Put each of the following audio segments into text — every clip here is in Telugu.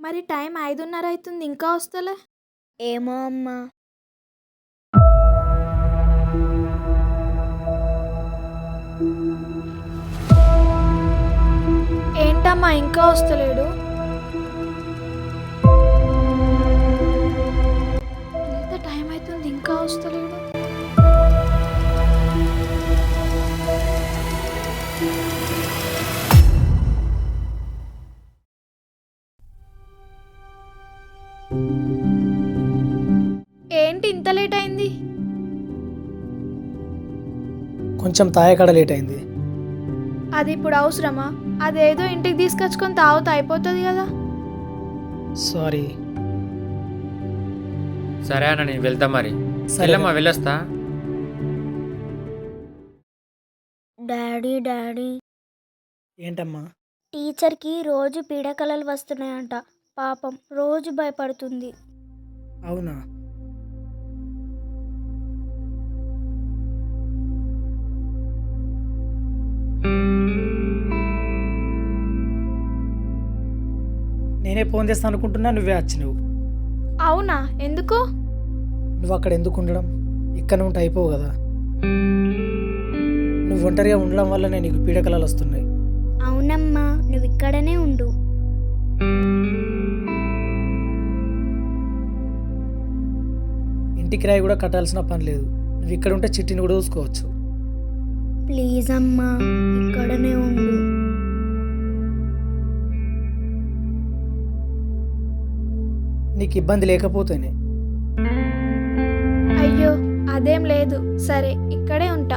మరి టైం 5:30 అయితుంది ఇంకా వస్తలే. ఏమో అమ్మా. ఏంటమ్మా ఇంకా వస్తలేడు? ఇంత టైం అవుతుంది ఇంకా వస్తలేడు. ఏంటి ఇంత లేట్ అయింది? కొంచెం తాయకాడ లేట్ అయింది. అది ఇప్పుడు అవసరమా? అదేదో ఇంటికి తీసుకొచ్చుకొని తాగుతా అయిపోతుంది కదా. సారీ. సరే అన్న నేను వెళ్తా మరి. సరే వెళ్ళమ్మా వెళ్ళొస్తా. డాడీ డాడీ, ఏంటమ్మా? టీచర్కి రోజు పీడకలలు వస్తున్నాయంట. పాపం రోజు భయపడుతుంది. అవునా? నేనే ఫోన్ చేస్తాను అనుకుంటున్నా, నువ్వే వచ్చినావు. అవునా? ఎందుకు? నువ్వు అక్కడ ఎందుకు ఉండడం? ఇక్కడ ఉంటే అయిపోవు కదా. నువ్వు ఒంటరిగా ఉండడం వల్ల నీకు పీడకలాలు వస్తున్నాయి. అవునమ్మా, నువ్వు ఇక్కడనే ఉండు. ఇంటి కిరాయి కూడా కట్టాల్సిన పని లేదు. నువ్వు ఇక్కడ ఉంటే చిట్టిని కూడా చూసుకోవచ్చు. ప్లీజ్ అమ్మా, ఇక్కడనే ఉండు. నీకు ఇబ్బంది లేకపోతేనే. అయ్యో అదేం లేదు. సరే ఇక్కడే ఉంటా.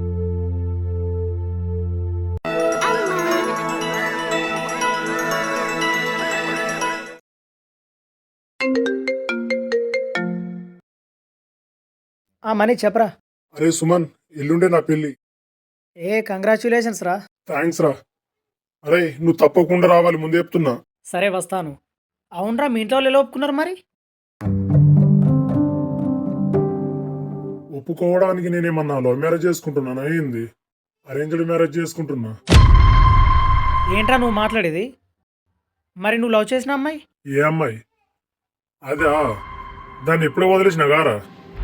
మనీ చెప్పరా. అరే సుమన్, ఎల్లుండే నా పెళ్ళి. కంగ్రాచ్యులేషన్స్ రా. థ్యాంక్స్ రా. అరే నువ్వు తప్పకుండా రావాలి, ముందే చెప్తున్నా. సరే వస్తాను. అవునరా, మీ ఇంట్లో వాళ్ళు ఎలా ఒప్పుకున్నారు మరి? ఒప్పుకోవడానికి నేనేమన్నా లవ్ మ్యారేజ్ చేసుకుంటున్నానా ఏంది? అరేంజ్డ్ మ్యారేజ్ చేసుకుంటున్నా. ఏంట్రా నువ్వు మాట్లాడేది? మరి నువ్వు లవ్ చేసిన అమ్మాయి? ఏ అమ్మాయి? అదా, దాన్ని ఎప్పుడో వదిలేసిన గారా.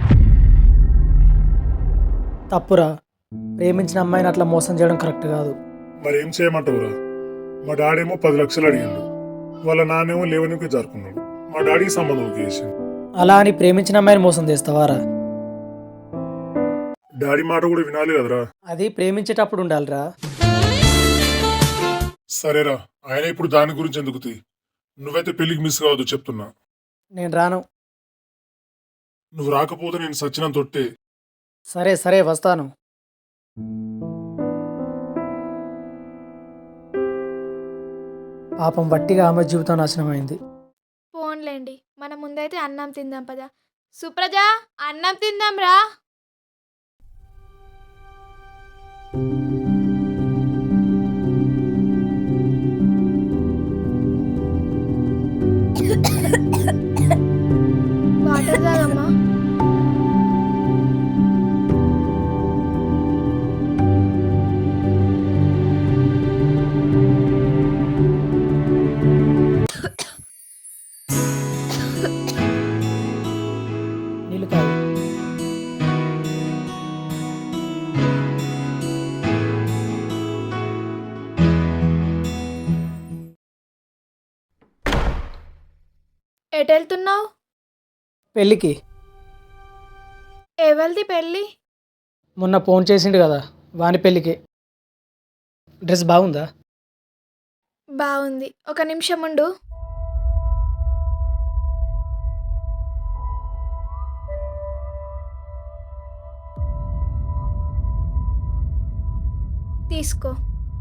తప్పురా. ప్రేమించిన అమ్మాయిని అట్లా మోసం చేయడం కరెక్ట్ కాదు. మరి ఏం చేయమంటావురా? మా డాడేమో 10 లక్షలు అడిగిండు, వాళ్ళ నాన్నేమో లేవనికి జరుపుకున్నాడు. మా డాడీకి సంబంధం చేసింది. అలా అని ప్రేమించిన అమ్మాయిని మోసం చేస్తావారా? డాడీ మాట కూడా వినాలి కదరా. అది ప్రేమించేటప్పుడు ఉండాలిరా. సరేరా, ఆయన ఇప్పుడు దాని గురించి ఎందుకు తీ. నువ్వైతే పెళ్లికి మిస్ కావద్దు చెప్తున్నా. నేను రాను. నువ్వు రాకపోతే నేను సచ్చినంత తొట్టే. సరే సరే వస్తాను. పాపం వట్టిగా ఆమె జీవితం నాశనమైంది. ఫోన్లేండి, మన ముందైతే అన్నం తిందాం పదా. సుప్రజ, అన్నం తిందాం రా. వాటర్ తాగమ్మా. నీళ్ళు తాగు. ఎటు వెళ్తున్నావు? పెళ్ళికి. ఎవరిది పెళ్ళి? మొన్న ఫోన్ చేసిండు కదా, వాని పెళ్ళికి. డ్రెస్ బాగుందా? బాగుంది. ఒక నిమిషం ఉండు. తీసుకో.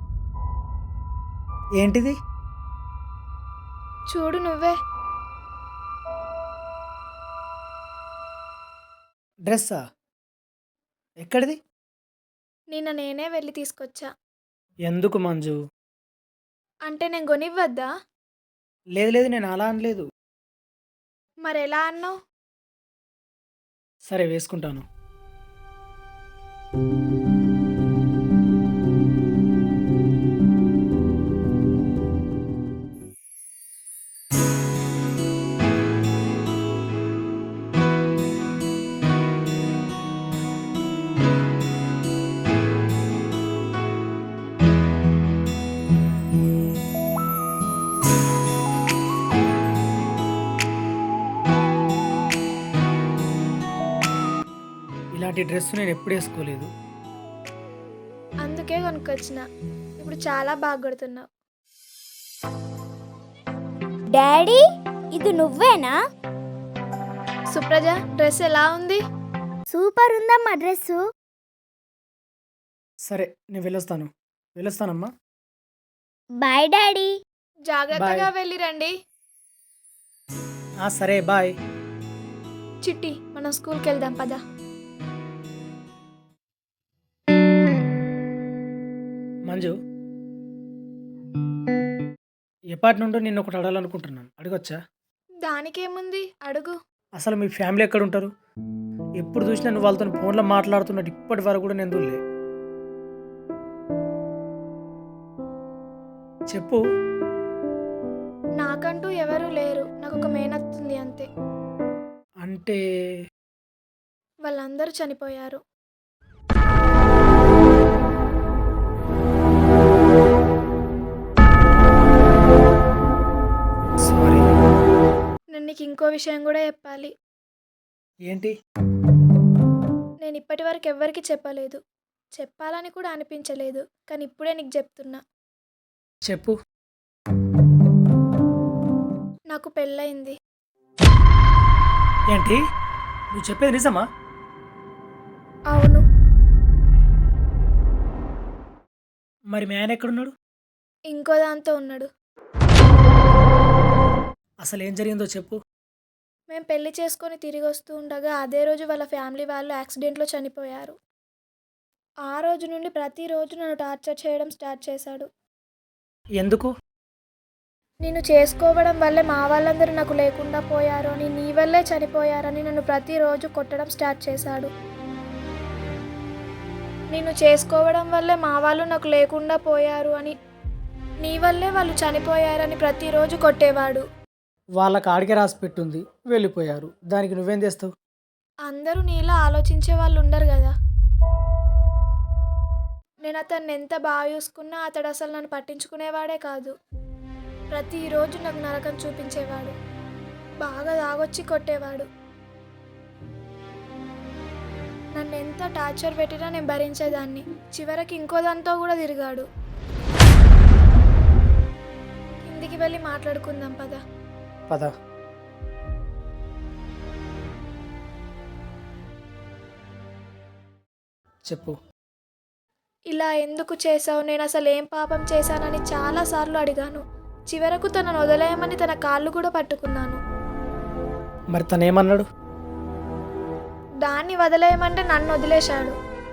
ఏంటిది? చూడు నువ్వే. డ్రెస్సా? ఎక్కడిది? నిన్న నేనే వెళ్ళి తీసుకొచ్చా. ఎందుకు మంజు? అంటే నేను కొనివ్వద్దా? లేదు లేదు, నేను అలా అనలేదు. మరి ఎలా అన్నావు? సరే వేసుకుంటాను. ఇలాంటి డ్రెస్ నేను ఎప్పుడు వేసుకోలేదు. అందుకే కొనుక్కొచ్చిన. ఇప్పుడు చాలా బాగా కొడుతున్నావు. డాడీ ఇది నువ్వేనా? సుప్రజ, డ్రెస్ ఎలా ఉంది? సూపర్ ఉందమ్మా డ్రెస్సు. సరే నేను వెళ్ళొస్తానమ్మా. Bye daddy. జాగ్రత్తగా Bye. వెళ్ళి రండి. సరే బాయ్. చిట్టి, మనం స్కూల్కి వెళ్దాం పదా. మంజు, ఎప్పటి నుండో నిన్ను ఒకటి అడగాలనుకుంటున్నాను, అడగొచ్చా? దానికేముంది, అడుగు. అసలు మీ ఫ్యామిలీ ఎక్కడ ఉంటారు? ఎప్పుడు చూసినా నువ్వు వాళ్ళతో ఫోన్లో మాట్లాడుతున్నట్టు ఇప్పటి వరకు కూడా నేను చూడలే. చెప్పు. నాకంటూ ఎవరూ లేరు. నాకు ఒక మేనత్తుంది అంతే. అంటే వాళ్ళందరూ చనిపోయారు. సారీ. నేను నీకు ఇంకో విషయం కూడా చెప్పాలి. ఏంటి? నేను ఇప్పటి వరకు ఎవ్వరికి చెప్పలేదు. చెప్పాలని కూడా అనిపించలేదు. కానీ ఇప్పుడే నీకు చెప్తున్నా. చెప్పు. నాకు పెళ్ళయింది. ఏంటి నువ్వు చెప్పేది నిజమా? అవును. మరి మీ ఆయన ఎక్కడున్నాడు? ఇంకో దాంతో ఉన్నాడు. అసలు ఏం జరిగిందో చెప్పు. మేము పెళ్లి చేసుకొని తిరిగి వస్తూ ఉండగా అదే రోజు వాళ్ళ ఫ్యామిలీ వాళ్ళు యాక్సిడెంట్లో చనిపోయారు. ఆ రోజు నుండి ప్రతిరోజు నన్ను టార్చర్ చేయడం స్టార్ట్ చేశాడు. ఎందుకు? నిన్ను చేసుకోవడం వల్లే మా వాళ్ళందరూ నాకు లేకుండా పోయారు అని, నీ వల్లే చనిపోయారని నన్ను ప్రతిరోజు కొట్టడం స్టార్ట్ చేశాడు. నిన్ను చేసుకోవడం వల్లే మా వాళ్ళు నాకు లేకుండా పోయారు అని, నీ వల్లే వాళ్ళు చనిపోయారని ప్రతిరోజు కొట్టేవాడు. వాళ్ళకి ఆడికే రాసి పెట్టుంది, వెళ్ళిపోయారు. దానికి నువ్వేం చేస్తావు? అందరూ నీలా ఆలోచించే వాళ్ళు ఉండరు కదా. నేను అతన్ని ఎంత బాగా చూసుకున్నా అతడు అసలు నన్ను పట్టించుకునేవాడే కాదు. ప్రతిరోజు నాకు నరకం చూపించేవాడు. బాగా తాగొచ్చి కొట్టేవాడు. నన్ను ఎంత టార్చర్ పెట్టినా నేను భరించేదాన్ని. చివరికి ఇంకో దాంతో కూడా తిరిగాడు. కిందికి వెళ్ళి మాట్లాడుకుందాం పద. పద. చెప్పు. ఇలా ఎందుకు చేసావు, నేను అసలు ఏం పాపం చేశానని చాలాసార్లు అడిగాను. చివరకు తనను వదిలేయమని తన కాళ్ళు కూడా పట్టుకున్నాను. మరి తనేమన్నాడు? దాన్ని వదిలేయమంటే నన్ను వదిలేశాడు.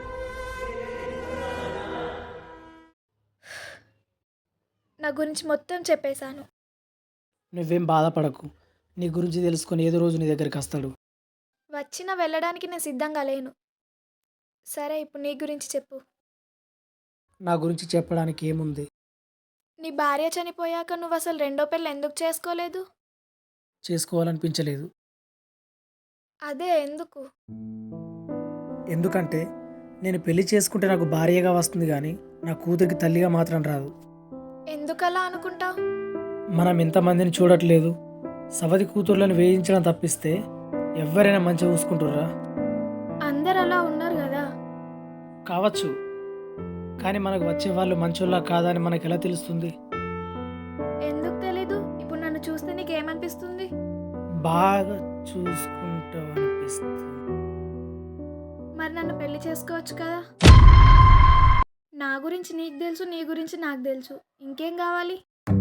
నా గురించి మొత్తం చెప్పేశాను. నువ్వేం బాధపడకు. నీ గురించి తెలుసుకొని ఏదో రోజు నీ దగ్గరికి వస్తాడు. వచ్చిన వెళ్ళడానికి నేను సిద్ధంగా లేను. సరే, ఇప్పుడు నీ గురించి చెప్పు. నా గురించి చెప్పడానికి ఏముంది? నీ భార్య చనిపోయాక నువ్వు అసలు రెండో పెళ్ళి ఎందుకు చేసుకోలేదు? చేసుకోవాలనిపించలేదు. అదే ఎందుకు? ఎందుకంటే నేను పెళ్లి చేసుకుంటే నాకు భార్యగా వస్తుంది కానీ నా కూతురికి తల్లిగా మాత్రం రాదు. ఎందుకలా అనుకుంటావు? మనం ఎంతమందిని చూడట్లేదు. సవతి కూతుర్లను వేయించడం తప్పిస్తే ఎవరైనా మంచిగా చూసుకుంటుర్రా? అందరు అలా ఉన్నారు కదా. కావచ్చు, కానీ మనకు వచ్చే వాళ్ళు మంచోళ్ళ కాదా అని మనకు ఎలా తెలుస్తుంది? ఎందుకు తెలీదు? ఇప్పుడు నన్ను చూస్తే నీకేమనిపిస్తుంది? బాగా చూసుకుంటావు అనిపిస్తుంది. మరి నన్ను పెళ్లి చేసుకోవచ్చు కదా. నా గురించి నీకు తెలుసు, నీ గురించి నాకు తెలుసు. ఇంకేం కావాలి?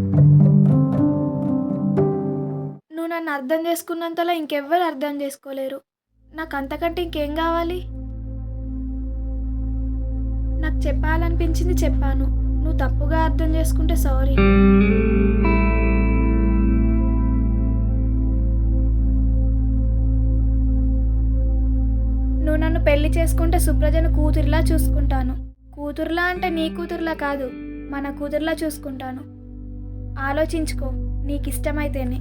నువ్వు నన్ను అర్థం చేసుకున్నంతలా ఇంకెవ్వరు అర్థం చేసుకోలేరు. నాకు అంతకంటే ఇంకేం కావాలి? నాకు చెప్పాలనిపించింది చెప్పాను. నువ్వు తప్పుగా అర్థం చేసుకుంటే సారీ. నువ్వు నన్ను పెళ్లి చేసుకుంటే సుప్రజను కూతురిలా చూసుకుంటాను. కూతురులా అంటే నీ కూతురులా కాదు, మన కూతురులా చూసుకుంటాను. ఆలోచించుకో, నీకు ఇష్టమైతేనే.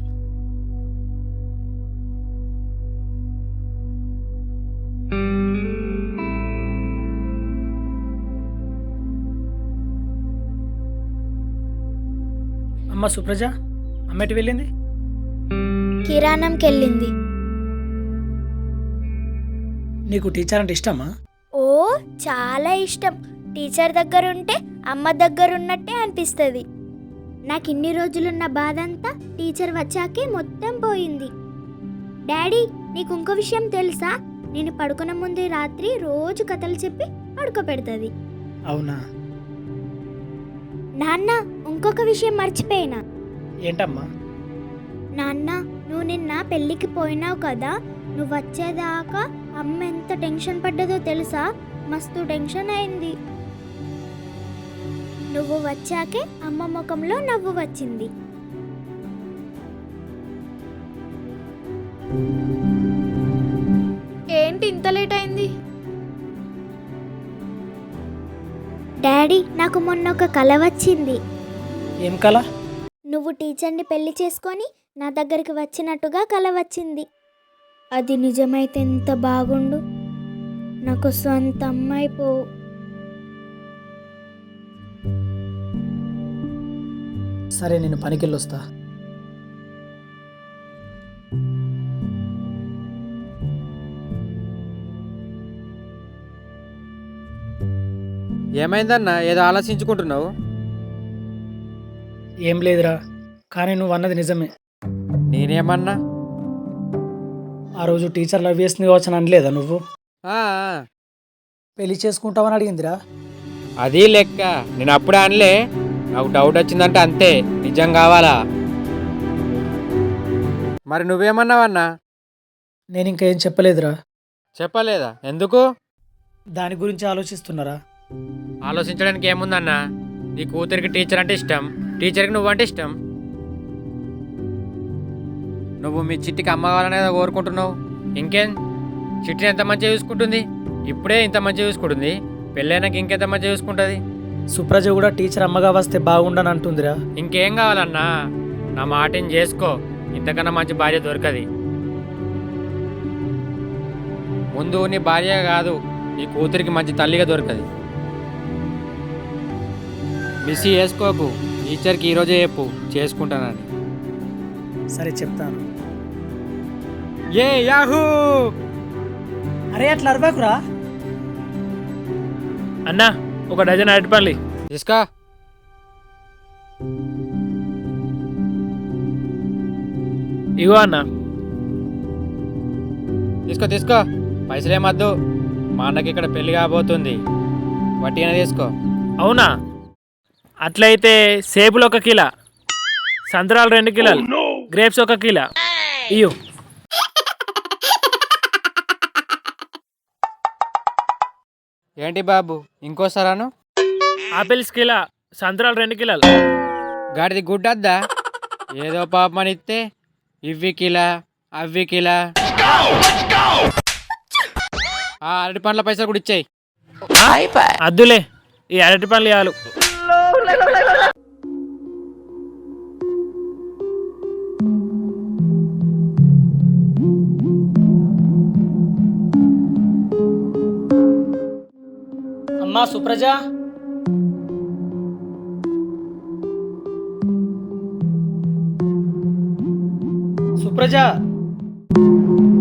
అమ్మ సుప్రజ, అమ్మటి వెళ్ళింది? కిరాణంకి వెళ్ళింది. నీకు టీచర్ అంటే ఇష్టమా? ఓ చాలా ఇష్టం. టీచర్ దగ్గర ఉంటే అమ్మ దగ్గర ఉన్నట్టే అనిపిస్తుంది. నాకు ఇన్ని రోజులున్న బాధ అంతా టీచర్ వచ్చాకే మొత్తం పోయింది. డాడీ, నీకు ఇంకో విషయం తెలుసా? నేను పడుకునే ముందు రాత్రి రోజు కథలు చెప్పి పడుకోబెడుతుంది. అవునా? నాన్న, ఇంకొక విషయం మర్చిపోయినా. ఏంటమ్మా? నాన్న, నువ్వు నిన్న పెళ్ళికి పోయినావు కదా, నువ్వు వచ్చేదాకా అమ్మ ఎంత టెన్షన్ పడ్డదో తెలుసా? మస్తు టెన్షన్ అయింది. నువ్వు వచ్చాకే అమ్మ ముఖంలో నవ్వు వచ్చింది. ఏంటి ఇంత లేట్ అయింది? డాడీ, నాకు మొన్న ఒక కల వచ్చింది. ఏం కల? నువ్వు టీచర్ని పెళ్లి చేసుకొని నా దగ్గరికి వచ్చినట్టుగా కల వచ్చింది. అది నిజమైతే ఎంత బాగుండు. నాకు సొంత అమ్మాయి పోవు. సరే, నేను పనికెళ్ళొస్తా. ఏమైందన్నా ఏదో ఆలోచించుకుంటున్నావు? ఏం లేదురా, కానీ నువ్వు అన్నది నిజమే. నేనేమన్నా? ఆ రోజు టీచర్ లవ్ చేస్తుంది కావచ్చు అని అనలేదా నువ్వు? ఆ, పెళ్లి చేసుకుంటావని అడిగిందిరా. అది లెక్క. నేను అప్పుడే అనలే. నాకు డౌట్ వచ్చిందంటే అంతే, నిజం కావాలా? మరి నువ్వేమన్నావన్నా? నేను ఇంకా ఏం చెప్పలేదురా. చెప్పలేదా? ఎందుకు? దాని గురించి ఆలోచిస్తున్నారా? ఆలోచించడానికి ఏముందన్నా? నీ కూతురికి టీచర్ అంటే ఇష్టం, టీచర్కి నువ్వంటే ఇష్టం. నువ్వు మీ చిట్టికి అమ్మ కావాలనేది కోరుకుంటున్నావు. ఇంకేం? చిట్టిని ఎంత మంచిగా చూసుకుంటుంది? ఇప్పుడే ఇంత మంచిగా చూసుకుంటుంది, పెళ్ళైనాక ఇంకెంత మంచిగా చూసుకుంటుంది. సుప్రజ కూడా టీచర్ అమ్మగా వస్తే బాగుండని అంటుందిరా. ఇంకేం కావాలన్నా? నా మాటని చేసుకో, ఇంతకన్నా మంచి భార్య దొరకది. ముందు నీ భార్య కాదు, నీ కూతురికి మంచి తల్లిగా దొరకది. మిస్ చేసుకోకు. టీచర్కి ఈరోజే చెప్పు చేసుకుంటానని. సరే, చెప్తాను. ఏ యాహూ! అరే, అట్లా అరవకురా. అన్నా, ఒక డజన్ అరటిపల్లి తీసుకో. ఇగో అన్న. తీసుకో తీసుకో, పైసలేమద్దు. మా అన్నకి ఇక్కడ పెళ్లి కాబోతుంది, వట్టిగానే తీసుకో. అవునా? అట్లయితే సేపులు 1 కిలో, సంతరాలు 2 కిలోలు, గ్రేప్స్ 1 కిలో ఇయ్యు. ఏంటి బాబు, ఇంకోసారాను? ఆపిల్స్ కిలో, సంతరాలు 2 కిలోలు. గాడిది గుడ్డద్దా? ఏదో పాపమని ఇస్తే ఇవ్వి కిలా అవ్వి కిలా. ఆ అరటి పండ్ల పైసలు కూడా ఇచ్చేయి. అద్దులే, ఈ అరటిపల్లి చాలు. అమ్మా సుప్రజ, సుప్రజ.